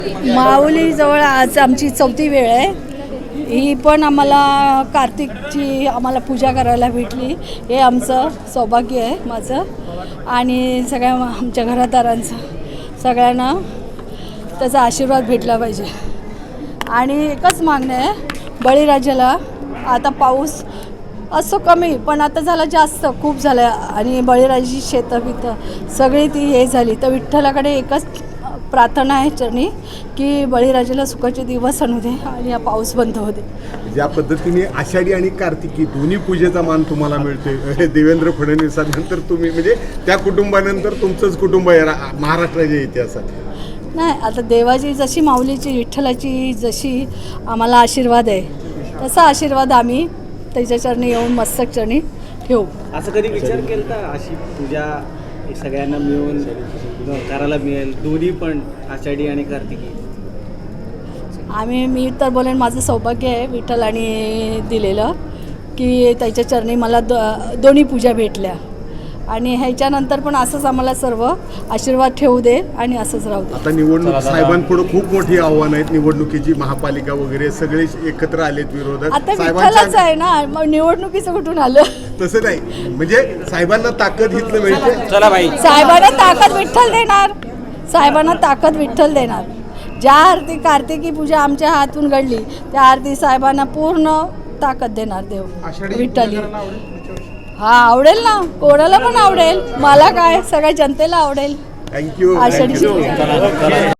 माऊलीजवळ आज आमची 4थी वेळ आहे. ही पण आम्हाला कार्तिकची पूजा करायला भेटली. हे आमचं सौभाग्य आहे माझं आणि सगळ्या आमच्या घरादारांचं. सगळ्यांना त्याचा आशीर्वाद भेटला पाहिजे. आणि एकच मागणं आहे, बळीराजाला आता पाऊस असं कमी पण आता झाला जास्त, खूप झालं आणि बळीराजाची शेतं बितं सगळी ती हे झाली. तर विठ्ठलाकडे एकच प्रार्थना आहे चरणी की बळीराजाला सुखाचे दिवस आणू दे आणि हा पाऊस बंद होऊ दे. ज्या पद्धतीने आषाढी आणि कार्तिकी दोन्ही पूजेचा मान तुम्हाला मिळतोय, देवेंद्र फडणवीसांनंतर तुम्ही म्हणजे त्या कुटुंबानंतर तुमचंच कुटुंब आहे महाराष्ट्राच्या इतिहासात. नाही, आता देवाची जशी माऊलीची विठ्ठलाची जशी आम्हाला आशीर्वाद आहे तसा आशीर्वाद आम्ही त्याच्या चरणी येऊन मस्तक चरणी ठेवू. असं कधी विचार केला का अशी पूजा सगळ्यांना मिळून करायला मिळेल, दोन्ही पण आषाढी आणि कार्तिकी? मी तर बोलेन माझं सौभाग्य आहे विठ्ठलाने दिलेलं की त्याच्या चरणी मला दोन्ही पूजा भेटल्या आणि ह्याच्यानंतर पण असंच आम्हाला सर्व आशीर्वाद ठेवू दे आणि असंच राहू दे. आता निवडणूक साहेबांपुढे खूप मोठी आव्हानं आहेत, निवडणुकीची, महापालिका वगैरे सगळे एकत्र आलेत विरोधक. आता विठ्ठलाच आहे ना, मग निवडणुकीचं कुठून आलं? तसं नाही, म्हणजे साहेबांना ताकद इथलं मिळते. चला बाई, साहेबांना ताकद विठ्ठल देणार, साहेबांना ताकद विठ्ठल देणार. ज्या आरती कार्तिकी पूजा आमच्या हातून घडली त्या आरती साहेबांना पूर्ण ताकद देणार देव विठ्ठल. हा, आवडेल ना, कोणाला पण आवडेल, मला काय, सगळ्या जनतेला आवडेल. थँक्यू. आषाढी